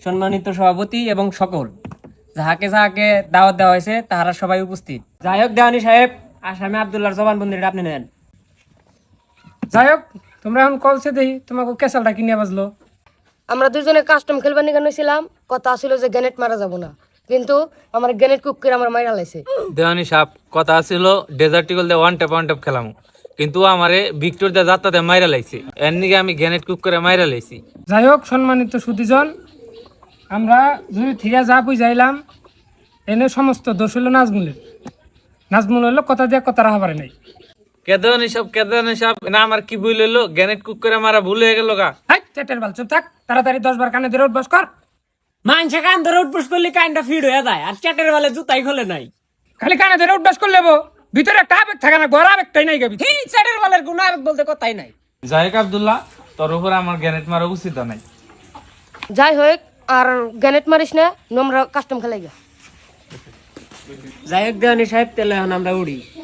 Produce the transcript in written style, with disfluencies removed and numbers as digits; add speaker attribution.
Speaker 1: সম্মানিত সভাপতি এবং সকল যাহাকে যাহাকে দাওয়াত দেওয়া হয়েছে তাহারা সবাই উপস্থিত। যাই হোক দেওয়ানি সাহেব, আসামে আব্দুল্লাহর জবানবন্দিটা আপনি নেন।
Speaker 2: যাই হোক, তোমরা এখন কলসে দেই তোমাকে ক্যাসালটা কিনে বাজলো।
Speaker 3: আমরা দুজনে কাস্টম খেলবার নিয়ে ছিলাম, কথা ছিল যে গ্যানেট মারা যাব না, কিন্তু আমার গ্যানেট কুক করে আমার মাইরা লাইছে।
Speaker 4: দেওয়ানি সাহেব কথা ছিল ডেজার্ট টিকল দিয়ে ওয়ান ট্যাপ খেলাম, কিন্তু আমারে ভিক্টর দিয়ে যাত্রাতে মাইরা লাইছে, এর নিকে আমি গ্যানেট কুক করে মাইরা লাইছি।
Speaker 2: যাই হোক সম্মানিত সুদীজন, আমরা যদি থিরা যা বুঝাইলাম এনে সমস্ত দোষ হইল নাজমুলের। নাজমুল হইলো কথা দিয়ে কথা রাখা পারে নাই।
Speaker 4: কেদানি সাহেব না আমার কি ভুল হইলো, গ্যানেট কুক করে মারা ভুল হয়ে গেল গা।
Speaker 2: হাই চেটের বাল, চুপ থাক, তাড়াতাড়ি 10 বার কানে ধরে উঠবাস কর।
Speaker 1: মানুষে কান ধরে উঠবস করলে কানটা ফিড হয়ে যায়, আর চ্যাটের বেলা জুতাই খোলে নাই।
Speaker 2: খালি কানে ধরে উঠবাস করলে ভিতরে একটা আবেগ থাকে না, ঘর আবেগটাই নাই গাবি।
Speaker 1: এই চ্যাটের বেলার কোনো আবেগ বলতে কথাই নাই।
Speaker 4: যাই হোক আব্দুল্লাহ, তোর উপর আমার গ্যানেট মারা উচিত নাই।
Speaker 3: যাই হোক, আর গ্যানেট মারিস না, নোংরা কাস্টম খেলাই গা।
Speaker 1: যাই হোক দেওয়ানি সাহেব, তাহলে এখন আমরা উড়ি।